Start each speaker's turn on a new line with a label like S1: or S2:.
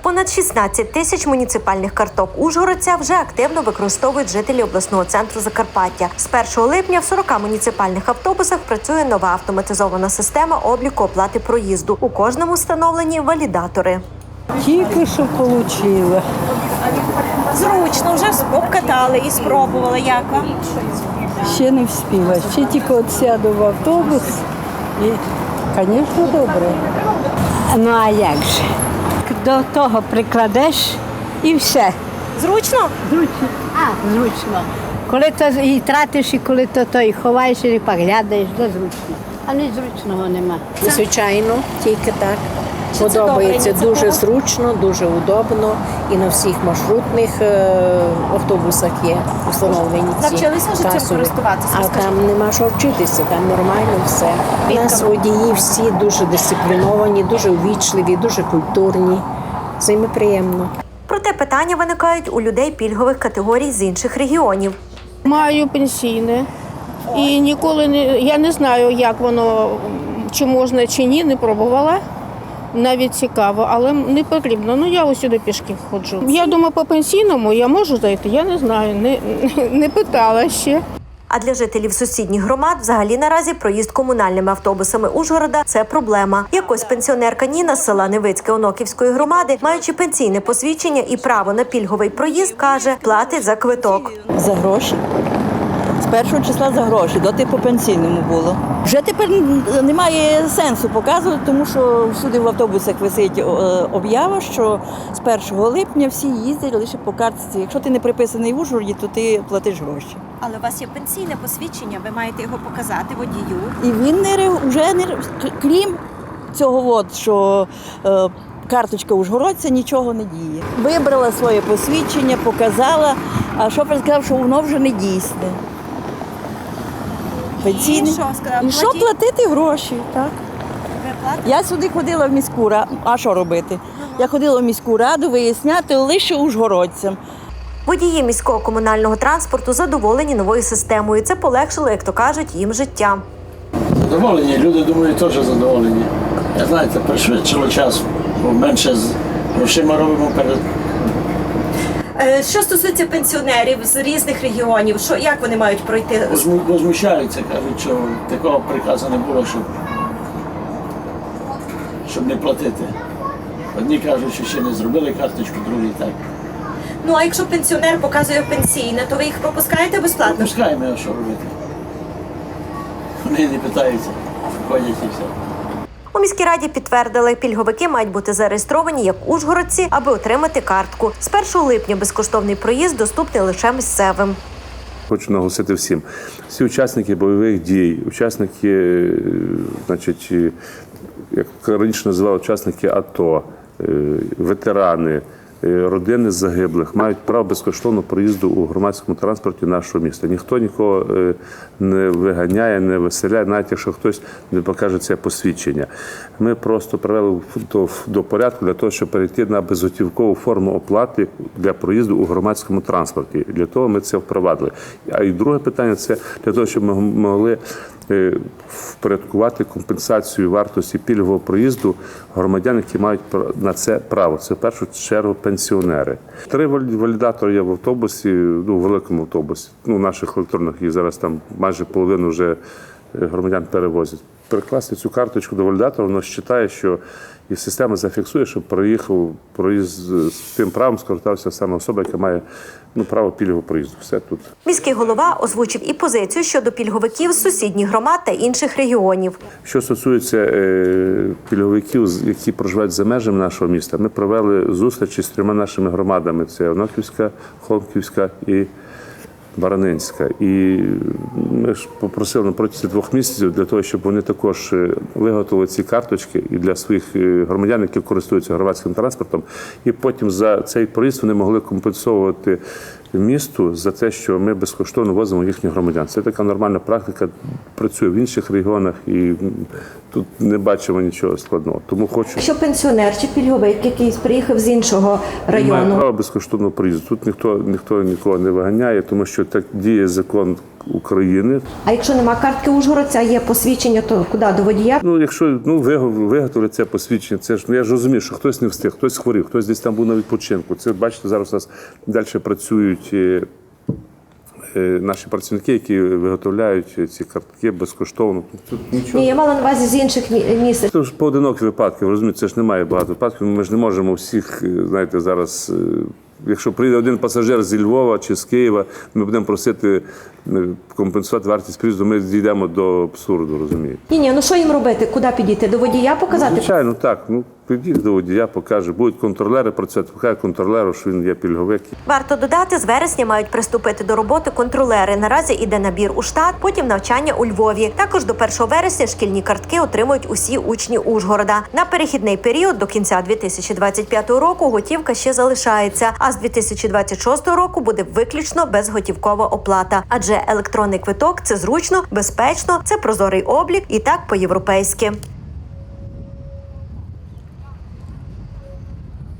S1: Понад 16 тисяч муніципальних карток ужгородця вже активно використовують жителі обласного центру Закарпаття. З 1 липня в 40 муніципальних автобусах працює нова автоматизована система обліку оплати проїзду. У кожному встановлені валідатори.
S2: Тільки що отримала.
S3: Зручно, вже обкатали і спробували. Як вам?
S2: Ще не встигла. Ще тільки от сяду в автобус і, звісно, добре.
S4: Ну а як же? До того прикладеш і все.
S3: Зручно?
S4: Зручно. Зручно. Коли то і тратиш, і коли то і ховаєш, і поглядаєш, то зручно. А не зручного нема.
S5: Звичайно, тільки так.
S3: Чи це
S5: Подобається,
S3: добра
S5: дуже
S3: ініціатива?
S5: зручно, дуже удобно. І на всіх маршрутних автобусах є встановлені ці
S3: Навчилися вже цим
S5: касові.
S3: користуватися,
S5: А
S3: скажіть?
S5: там нема що вчитися, там нормально все. У нас
S3: Відомо.
S5: водії всі дуже дисципліновані, дуже увічливі, дуже культурні. З ними приємно.
S1: Проте питання виникають у людей пільгових категорій з інших регіонів.
S6: Маю пенсійне і ніколи я не знаю, як воно, чи можна, чи ні, не пробувала. Навіть цікаво, але не потрібно. Ну, я ось сюди пішки ходжу. Я думаю, по пенсійному я можу зайти, я не знаю, не питала ще.
S1: А для жителів сусідніх громад взагалі наразі проїзд комунальними автобусами Ужгорода – це проблема. Якось пенсіонерка Ніна з села Невицьке Оноківської громади, маючи пенсійне посвідчення і право на пільговий проїзд, каже, платить за квиток.
S7: За гроші. З 1 числа за гроші, доти по пенсійному було. Вже тепер немає сенсу показувати, тому що всюди в автобусах висить об'ява, що з 1 липня всі їздять лише по картці. Якщо ти не приписаний в Ужгороді, то ти платиш гроші.
S3: Але у вас є пенсійне посвідчення, ви маєте його показати водію.
S7: І він вже не крім цього, що карточка ужгородця нічого не діє. Вибрала своє посвідчення, показала, а шофер сказав, що воно вже не дійсне. Пенсійне.
S3: І що сказав?
S7: І що платити гроші, так.
S3: Ви платите?
S7: Я сюди ходила в міську раду, а що робити? Я ходила в міську раду виясняти лише ужгородцям.
S1: Водії міського комунального транспорту задоволені новою системою. Це полегшило, як то кажуть, їм життя.
S8: Задоволені, люди, думаю, теж задоволені. Я знаєте, пришвидшило час, бо менше з грошима робимо перед.
S3: Що стосується пенсіонерів з різних регіонів, як вони мають пройти?
S8: Возмущаються, кажуть, що такого приказу не було, щоб не платити. Одні кажуть, що ще не зробили карточку, другі так.
S3: Ну, а якщо пенсіонер показує пенсійне, то ви їх пропускаєте безплатно?
S8: Пропускаємо, а що робити. Вони не питаються, ходять і все.
S1: У міській раді підтвердили, пільговики мають бути зареєстровані як ужгородці, аби отримати картку. З 1 липня безкоштовний проїзд доступний лише місцевим.
S9: Хочу наголосити всім. Всі учасники бойових дій, учасники, значить, як раніше називали, учасники АТО, ветерани, родини загиблих мають право безкоштовного проїзду у громадському транспорті нашого міста. Ніхто нікого не виганяє, не виселяє, навіть якщо хтось не покаже це посвідчення. Ми просто привели до порядку для того, щоб перейти на безготівкову форму оплати для проїзду у громадському транспорті. Для того ми це впровадили. А і друге питання – це для того, щоб ми могли впорядкувати компенсацію вартості пільгового проїзду громадян, які мають на це право. Це в першу чергу пенсіонери. 3 валідатори є в автобусі, в великому автобусі. Наших електронних, їх зараз там майже половину вже громадян перевозять. Перекласти цю карточку до валідатора, воно вважає, що і система зафіксує, що проїзд з тим правом скористався саме особа, яка має право пільгового проїзду. Все тут.
S1: Міський голова озвучив і позицію щодо пільговиків з сусідніх громад та інших регіонів.
S9: Що стосується пільговиків, які проживають за межами нашого міста, ми провели зустрічі з 3 нашими громадами. Це Оноківська, Холмківська і Баранинська. І ми ж попросили на протязі 2 місяців для того, щоб вони також виготовили ці карточки і для своїх громадян, які користуються громадським транспортом, і потім за цей проїзд вони могли компенсовувати місту за те, що ми безкоштовно возимо їхніх громадян. Це така нормальна практика, працює в інших регіонах і тут не бачимо нічого складного. Тому хочу...
S1: Якщо пенсіонер чи пільговик, який приїхав з іншого
S9: Має право безкоштовного проїзду. Тут ніхто нікого не виганяє, тому що так діє закон України.
S3: А якщо нема картки ужгородця, є посвідчення, то куди? До водія?
S9: Ну, якщо виготовлять це посвідчення, це ж я ж розумію, що хтось не встиг, хтось хворів, хтось десь там був на відпочинку. Це бачите, зараз у нас далі працюють наші працівники, які виготовляють ці картки безкоштовно. Тут нічого.
S3: Ні, я мала на увазі з інших місць.
S9: Це ж поодинокі випадки, ви розумієте, це ж немає багато випадків. Ми ж не можемо всіх, знаєте, зараз. Якщо прийде один пасажир зі Львова чи з Києва, ми будемо просити компенсувати вартість приїзду, ми дійдемо до абсурду, розумієте?
S3: Ні, ну що їм робити? Куди підійти? До водія показати?
S9: Звичайно, так. Ну, підіть до водія, покаже. Будуть контролери працювати, покаже контролеру, що він є пільговик.
S1: Варто додати, з вересня мають приступити до роботи контролери. Наразі іде набір у штат, потім навчання у Львові. Також до 1 вересня шкільні картки отримують усі учні Ужгорода. На перехідний період до кінця 2025 року готівка ще залишається, а з 2026 року буде виключно безготівкова оплата. Адже електронний квиток – це зручно, безпечно, це прозорий облік і так по-європейськи.